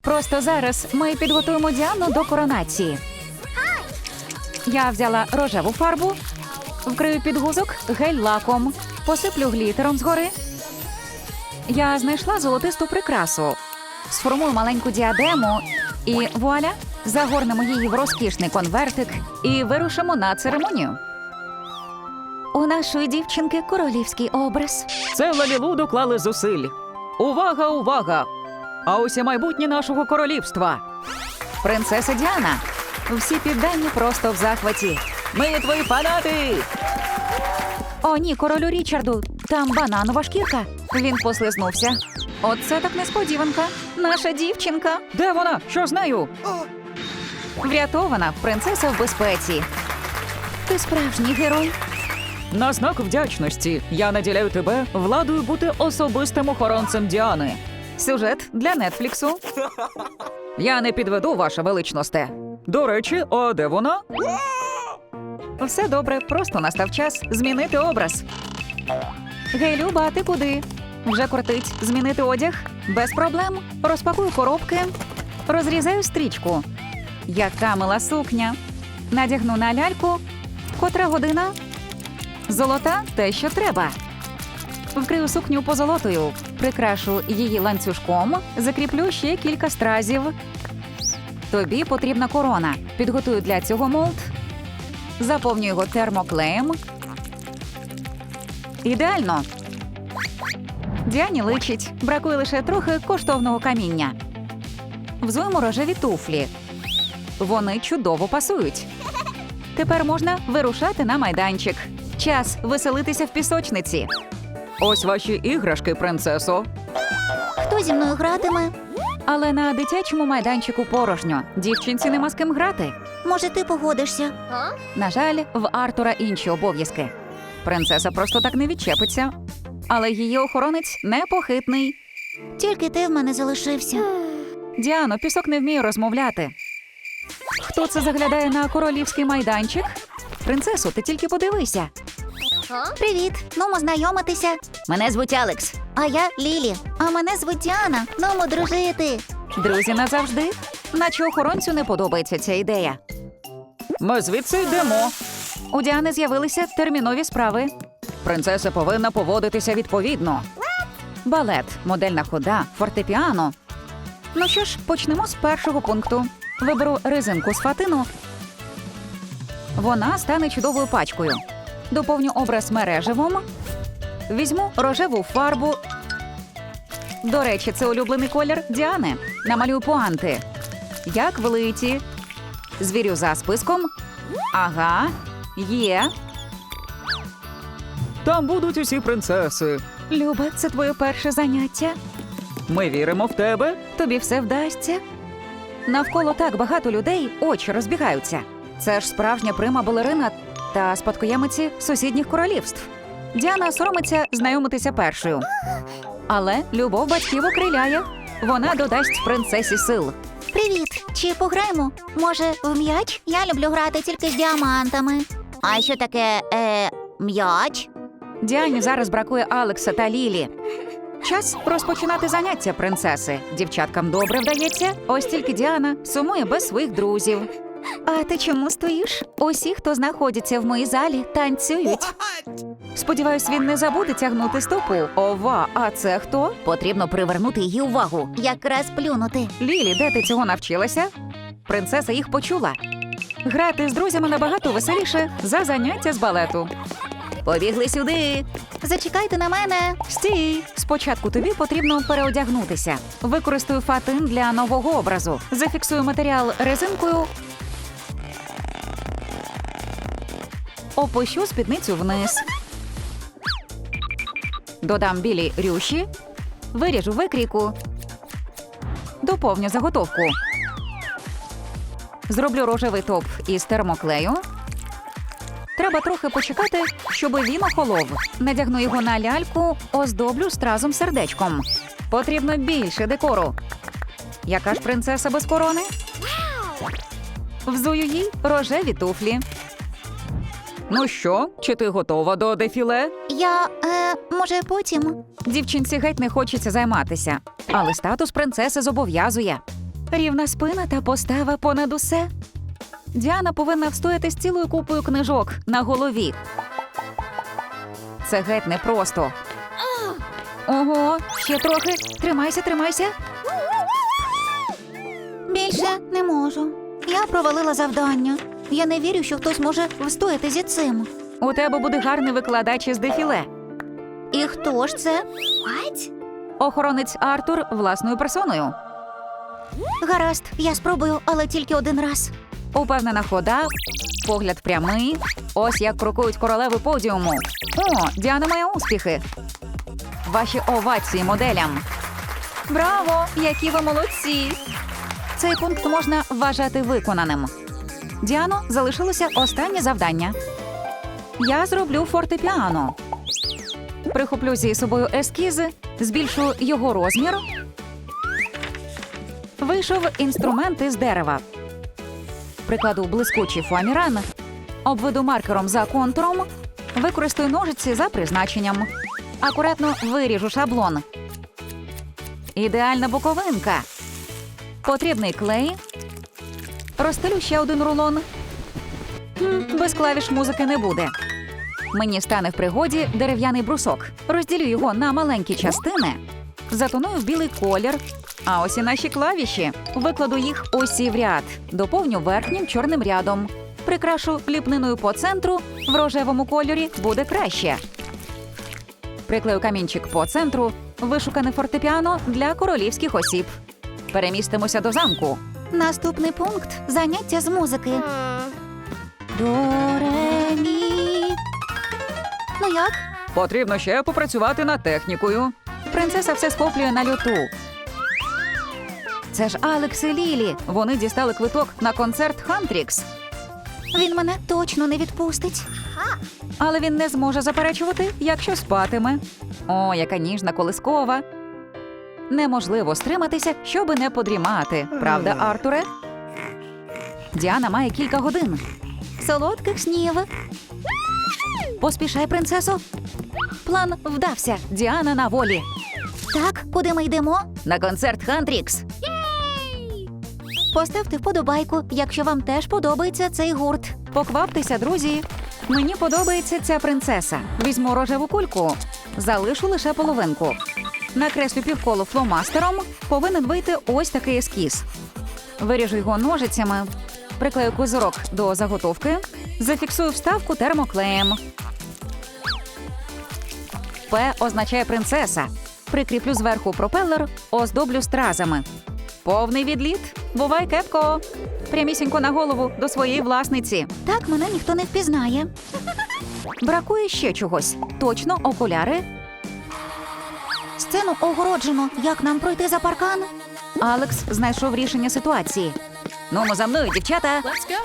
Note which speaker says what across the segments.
Speaker 1: Просто зараз ми підготуємо Діану до коронації. Я взяла рожеву фарбу, вкрию підгузок гель-лаком, посиплю глітером згори. Я знайшла золотисту прикрасу. Сформую маленьку діадему і вуаля, загорнемо її в розкішний конвертик і вирушимо на церемонію. У нашої дівчинки королівський образ.
Speaker 2: Це Лалілу доклали зусиль. Увага, увага! А ось і майбутнє нашого королівства.
Speaker 1: Принцеса Діана. Всі піддані просто в захваті.
Speaker 2: Ми твої фанати!
Speaker 1: О, ні, королю Річарду, там бананова шкірка. Він послизнувся. Оце так несподіванка. Наша дівчинка.
Speaker 2: Де вона? Що з нею?
Speaker 1: Врятована, принцеса в безпеці. Ти справжній герой.
Speaker 2: На знак вдячності я наділяю тебе владою бути особистим охоронцем Діани.
Speaker 1: Сюжет для Нетфліксу.
Speaker 2: Я не підведу, ваша величносте. До речі, а де вона?
Speaker 1: Все добре, просто настав час змінити образ. Гей, Люба, а ти куди? Вже кортить змінити одяг? Без проблем. Розпакую коробки, розрізаю стрічку. Яка мила сукня. Надягну на ляльку. Котра година? Золота – те, що треба. Вкрию сукню позолотою, прикрашу її ланцюжком, закріплю ще кілька стразів. Тобі потрібна корона. Підготую для цього молд. Заповнюю його термоклеєм. Ідеально. Діані личить. Бракує лише трохи коштовного каміння. Взуємо рожеві туфлі. Вони чудово пасують. Тепер можна вирушати на майданчик. Час веселитися в пісочниці.
Speaker 2: Ось ваші іграшки, принцесо.
Speaker 3: Хто зі мною гратиме?
Speaker 1: Але на дитячому майданчику порожньо. Дівчинці нема з ким грати.
Speaker 3: Може, ти погодишся?
Speaker 1: На жаль, в Артура інші обов'язки. Принцеса просто так не відчепиться. Але її охоронець непохитний.
Speaker 3: Тільки ти в мене залишився.
Speaker 1: Діано, пісок не вміє розмовляти. Хто це заглядає на королівський майданчик? Принцесо, ти тільки подивися.
Speaker 3: Привіт, нумо знайомитися. Мене звуть Алекс. А я Лілі. А мене звуть Діана. Нумо дружити.
Speaker 1: Друзі назавжди. Наче охоронцю не подобається ця ідея.
Speaker 2: Ми звідси йдемо.
Speaker 1: У Діани з'явилися термінові справи.
Speaker 2: Принцеса повинна поводитися відповідно.
Speaker 1: Балет, модельна хода, фортепіано. Ну що ж, почнемо з першого пункту. Виберу резинку з фатину. Вона стане чудовою пачкою. Доповню образ мереживом. Візьму рожеву фарбу. До речі, це улюблений колір Діани. Намалюю пуанти. Як влиті. Звірю за списком. Ага, є.
Speaker 2: Там будуть усі принцеси.
Speaker 1: Люба, це твоє перше заняття.
Speaker 2: Ми віримо в тебе.
Speaker 1: Тобі все вдасться. Навколо так багато людей, очі розбігаються. Це ж справжня прима-балерина та спадкоємиці сусідніх королівств. Діана соромиться знайомитися першою. Але любов батьків окриляє. Вона додасть принцесі сил.
Speaker 3: Привіт. Чи пограємо? Може, в м'яч? Я люблю грати тільки з діамантами. А що таке, м'яч?
Speaker 1: Діані зараз бракує Алекса та Лілі. Час розпочинати заняття принцеси. Дівчаткам добре вдається, ось тільки Діана сумує без своїх друзів. А ти чому стоїш? Усі, хто знаходиться в моїй залі, танцюють. Сподіваюсь, він не забуде тягнути стопу. Ова, а це хто?
Speaker 3: Потрібно привернути її увагу. Якраз плюнути.
Speaker 1: Лілі, де ти цього навчилася? Принцеса їх почула. Грати з друзями набагато веселіше за заняття з балету.
Speaker 3: Побігли сюди. Зачекайте на мене.
Speaker 1: Стій! Спочатку тобі потрібно переодягнутися. Використаю фатин для нового образу. Зафіксую матеріал резинкою. Опущу спідницю вниз. Додам білі рюші. Виріжу викрійку. Доповню заготовку. Зроблю рожевий топ із термоклею. Треба трохи почекати, щоб він охолов. Надягну його на ляльку, оздоблю стразом-сердечком. Потрібно більше декору. Яка ж принцеса без корони? Взую їй рожеві туфлі.
Speaker 2: Ну що, чи ти готова до дефіле?
Speaker 3: Я, може, потім?
Speaker 1: Дівчинці геть не хочеться займатися. Але статус принцеси зобов'язує. Рівна спина та постава понад усе. Діана повинна встояти з цілою купою книжок на голові. Це геть непросто. Ого, ще трохи. Тримайся, тримайся.
Speaker 3: Більше не можу. Я провалила завдання. Я не вірю, що хтось може встояти зі цим.
Speaker 1: У тебе буде гарний викладач із дефіле.
Speaker 3: І хто ж це?
Speaker 1: Охоронець Артур власною персоною.
Speaker 3: Гаразд, я спробую, але тільки один раз.
Speaker 1: Упевнена хода, погляд прямий. Ось як крокують королеви подіуму. О, Діана має успіхи. Ваші овації моделям. Браво! Які ви молодці! Цей пункт можна вважати виконаним. Діано, залишилося останнє завдання. Я зроблю фортепіано. Прихоплю зі собою ескізи, збільшу його розмір. Вийшов інструмент із дерева. Прикладу блискучий фоаміран. Обведу маркером за контуром. Використаю ножиці за призначенням. Акуратно виріжу шаблон. Ідеальна боковинка. Потрібний клей. Розстелю ще один рулон. Без клавіш музики не буде. Мені стане в пригоді дерев'яний брусок. Розділю його на маленькі частини. Затоную в білий колір. А ось і наші клавіші. Викладу їх усі в ряд. Доповню верхнім чорним рядом. Прикрашу ліпниною по центру. В рожевому кольорі буде краще. Приклею камінчик по центру. Вишукане фортепіано для королівських осіб. Перемістимося до замку.
Speaker 3: Наступний пункт – заняття з музики. До, ре, мі. Ну як?
Speaker 2: Потрібно ще попрацювати над технікою.
Speaker 1: Принцеса все схоплює на люту. Це ж Алекс і Лілі. Вони дістали квиток на концерт Хантрікс.
Speaker 3: Він мене точно не відпустить.
Speaker 1: Але він не зможе заперечувати, якщо спатиме. О, яка ніжна колискова. Неможливо стриматися, щоби не подрімати. Правда, Артуре? Діана має кілька годин.
Speaker 3: Солодких снів.
Speaker 1: Поспішай, принцесо. План вдався. Діана на волі.
Speaker 3: Так, куди ми йдемо?
Speaker 1: На концерт Хантрікс.
Speaker 3: Поставте вподобайку, якщо вам теж подобається цей гурт.
Speaker 1: Покваптеся, друзі. Мені подобається ця принцеса. Візьму рожеву кульку. Залишу лише половинку. Накреслю півколо фломастером. Повинен вийти ось такий ескіз. Виріжу його ножицями. Приклею козирок до заготовки. Зафіксую вставку термоклеєм. П означає принцеса. Прикріплю зверху пропелер, оздоблю стразами. Повний відліт. Бувай, кепко. Прямісінько на голову до своєї власниці.
Speaker 3: Так мене ніхто не впізнає.
Speaker 1: Бракує ще чогось. Точно окуляри.
Speaker 3: Сцену огороджено. Як нам пройти за паркан?
Speaker 1: Алекс знайшов рішення ситуації. Ну, за мною, дівчата.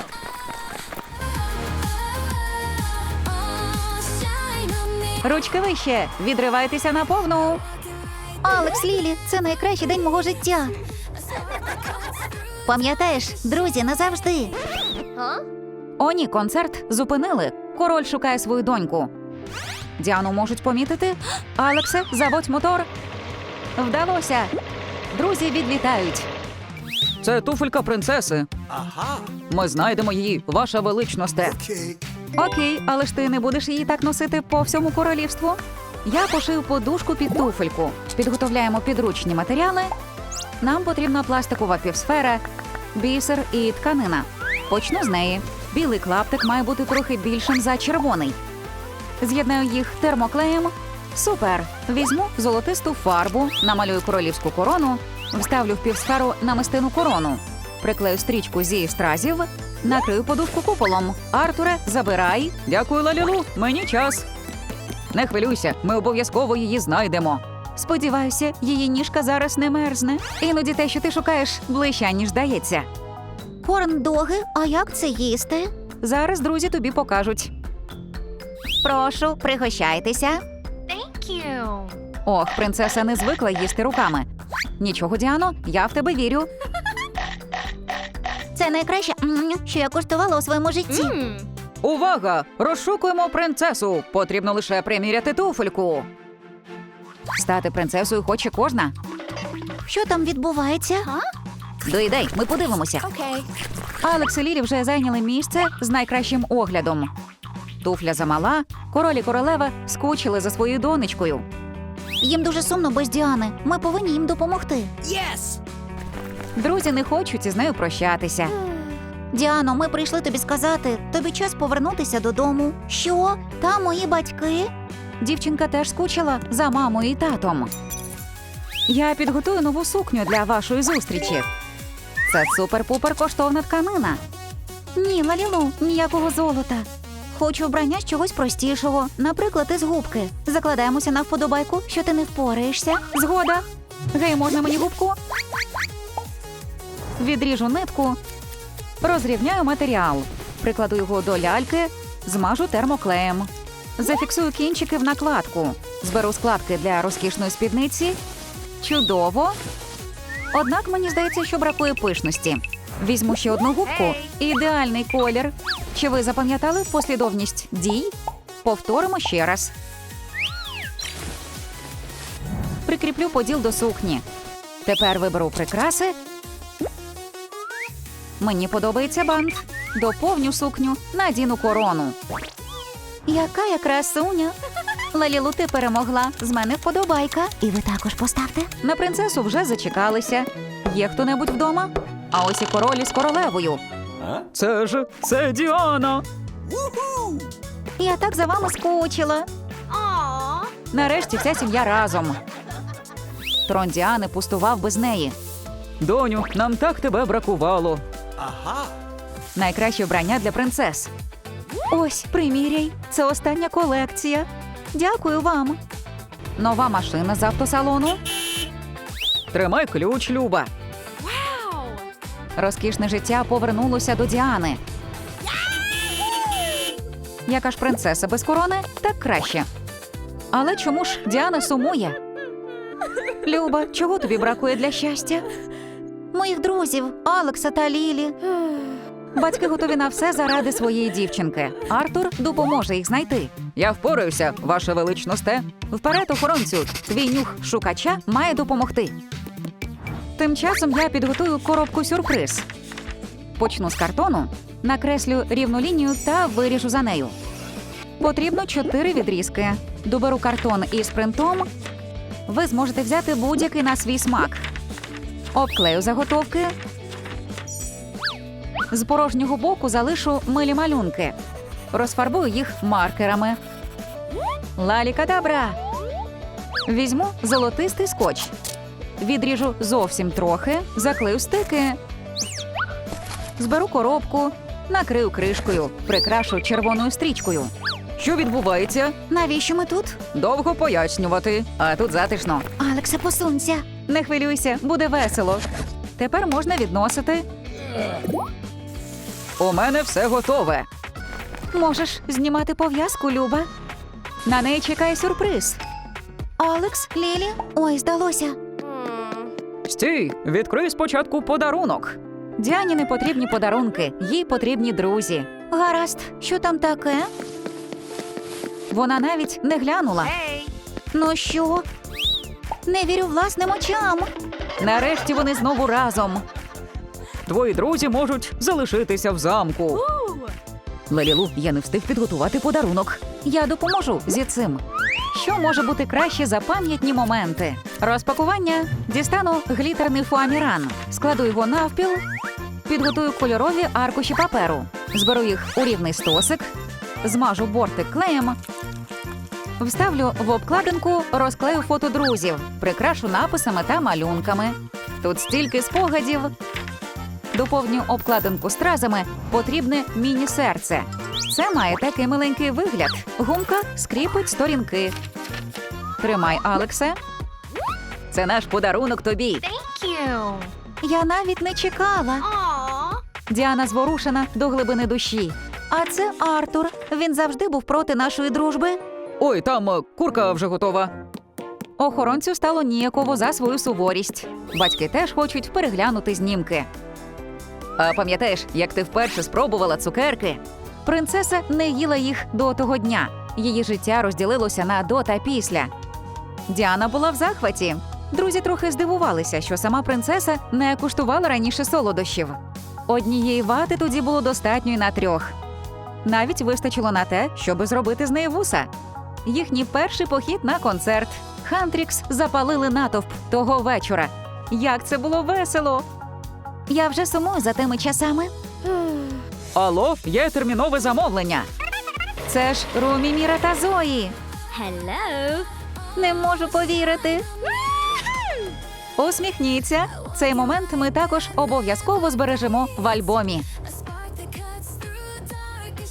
Speaker 1: Ручки вище. Відривайтеся на повну.
Speaker 3: Алекс, Лілі, це найкращий день мого життя. Пам'ятаєш, друзі, назавжди.
Speaker 1: О, ні, концерт зупинили. Король шукає свою доньку. Діану можуть помітити. Алексе, заводь мотор. Вдалося. Друзі відлітають.
Speaker 2: Це туфелька принцеси. Ми знайдемо її, ваша величносте.
Speaker 1: Окей, але ж ти не будеш її так носити по всьому королівству. Я пошив подушку під туфельку. Підготовляємо підручні матеріали. Нам потрібна пластикова півсфера, бісер і тканина. Почну з неї. Білий клаптик має бути трохи більшим за червоний. З'єднаю їх термоклеєм. Супер! Візьму золотисту фарбу, намалюю королівську корону, вставлю в півсферу намистину корону. Приклею стрічку зі стразів, накрию подушку куполом. Артуре, забирай.
Speaker 2: Дякую, Лалілу, мені час. Не хвилюйся, ми обов'язково її знайдемо.
Speaker 1: Сподіваюся, її ніжка зараз не мерзне. Іноді те, що ти шукаєш, ближче, ніж здається.
Speaker 3: Корн-доги, а як це їсти?
Speaker 1: Зараз друзі тобі покажуть.
Speaker 3: Прошу, пригощайтеся.
Speaker 1: Ох, принцеса не звикла їсти руками. Нічого, Діано, я в тебе вірю.
Speaker 3: Це найкраще, що я куштувала у своєму житті.
Speaker 2: Увага! Розшукуємо принцесу. Потрібно лише приміряти туфельку.
Speaker 1: Стати принцесою хоче кожна.
Speaker 3: Що там відбувається?
Speaker 1: Доїдай, ми подивимося. Алекс і Лілі вже зайняли місце з найкращим оглядом. Туфля замала, король і королева скучили за своєю донечкою.
Speaker 3: Їм дуже сумно без Діани. Ми повинні їм допомогти.
Speaker 1: Друзі не хочуть із нею прощатися.
Speaker 3: Діано, ми прийшли тобі сказати, тобі час повернутися додому. Що? Там мої батьки?
Speaker 1: Дівчинка теж скучила за мамою і татом. Я підготую нову сукню для вашої зустрічі. Це супер-пупер коштовна тканина.
Speaker 3: Ні, Лалілу, ніякого золота. Хочу вбрання з чогось простішого, наприклад, із губки. Закладаємося на вподобайку, що ти не впораєшся.
Speaker 1: Згода. Гей, можна мені губку? Відріжу нитку, розрівняю матеріал, прикладу його до ляльки, змажу термоклеєм. Зафіксую кінчики в накладку. Зберу складки для розкішної спідниці. Чудово. Однак мені здається, що бракує пишності. Візьму ще одну губку. Ідеальний колір. Чи ви запам'ятали послідовність дій? Повторимо ще раз. Прикріплю поділ до сукні. Тепер виберу прикраси. Мені подобається бант. Доповню сукню, надіну корону.
Speaker 3: Яка я красуня. Лалілу, ти перемогла. З мене вподобайка. І ви також поставте.
Speaker 1: На принцесу вже зачекалися. Є хто-небудь вдома? А ось і король із королевою.
Speaker 2: Це Діана.
Speaker 3: Я так за вами скучила.
Speaker 1: Нарешті вся сім'я разом. Трон Діани пустував без неї.
Speaker 2: Доню, нам так тебе бракувало.
Speaker 1: Найкраще вбрання для принцес.
Speaker 3: Ось, приміряй. Це остання колекція. Дякую вам.
Speaker 1: Нова машина з автосалону.
Speaker 2: Тримай ключ, Люба.
Speaker 1: Розкішне життя повернулося до Діани. Яка ж принцеса без корони, так краще. Але чому ж Діана сумує? Люба, чого тобі бракує для щастя?
Speaker 3: Моїх друзів, Алекса та Лілі.
Speaker 1: Батьки готові на все заради своєї дівчинки. Артур допоможе їх знайти.
Speaker 2: Я впораюся, ваше величносте.
Speaker 1: Вперед, охоронцю, твій нюх шукача має допомогти. Тим часом я підготую коробку-сюрприз. Почну з картону, накреслю рівну лінію та виріжу за нею. Потрібно 4 відрізки. Доберу картон із принтом. Ви зможете взяти будь-який на свій смак. Обклею заготовки. З порожнього боку залишу милі малюнки. Розфарбую їх маркерами. Лалікадабра! Візьму золотистий скотч. Відріжу зовсім трохи, заклею стики. Зберу коробку, накрию кришкою, прикрашу червоною стрічкою.
Speaker 2: Що відбувається?
Speaker 3: Навіщо ми тут?
Speaker 2: Довго пояснювати.
Speaker 1: А тут затишно.
Speaker 3: Алексе, посунься.
Speaker 1: Не хвилюйся, буде весело. Тепер можна відносити.
Speaker 2: У мене все готове.
Speaker 1: Можеш знімати пов'язку, Люба. На неї чекає сюрприз.
Speaker 3: Алекс, Лілі. Ой, здалося.
Speaker 2: Стій, відкрий спочатку подарунок.
Speaker 1: Діані не потрібні подарунки, їй потрібні друзі.
Speaker 3: Гаразд, що там таке?
Speaker 1: Вона навіть не глянула.
Speaker 3: Ну що? Не вірю власним очам.
Speaker 1: Нарешті вони знову разом.
Speaker 2: Твої друзі можуть залишитися в замку.
Speaker 1: Лалілу, я не встиг підготувати подарунок. Я допоможу зі цим. Що може бути краще за пам'ятні моменти? Розпакування. Дістану глітерний фоаміран. Складу його навпіл. Підготую кольорові аркуші паперу. Зберу їх у рівний стосик. Змажу бортик клеєм. Вставлю в обкладинку, розклею фото друзів. Прикрашу написами та малюнками. Тут стільки спогадів. Доповню обкладинку стразами, потрібне міні-серце. Це має такий миленький вигляд. Гумка скріпить сторінки. Тримай, Алексе. Це наш подарунок тобі.
Speaker 3: Я навіть не чекала.
Speaker 1: Діана зворушена до глибини душі.
Speaker 3: А це Артур. Він завжди був проти нашої дружби.
Speaker 2: Ой, там курка вже готова.
Speaker 1: Охоронцю стало ніяково за свою суворість. Батьки теж хочуть переглянути знімки. А пам'ятаєш, як ти вперше спробувала цукерки? Принцеса не їла їх до того дня. Її життя розділилося на до та після. Діана була в захваті. Друзі трохи здивувалися, що сама принцеса не куштувала раніше солодощів. Однієї вати тоді було достатньо й на 3. Навіть вистачило на те, щоби зробити з неї вуса. Їхній перший похід на концерт. Хантрікс запалили натовп того вечора. Як це було весело!
Speaker 3: Я вже сумую за тими часами.
Speaker 2: Алло, є термінове замовлення.
Speaker 1: Це ж Румі, Міра та Зої.
Speaker 3: Не можу повірити.
Speaker 1: Усміхніться. Цей момент ми також обов'язково збережемо в альбомі.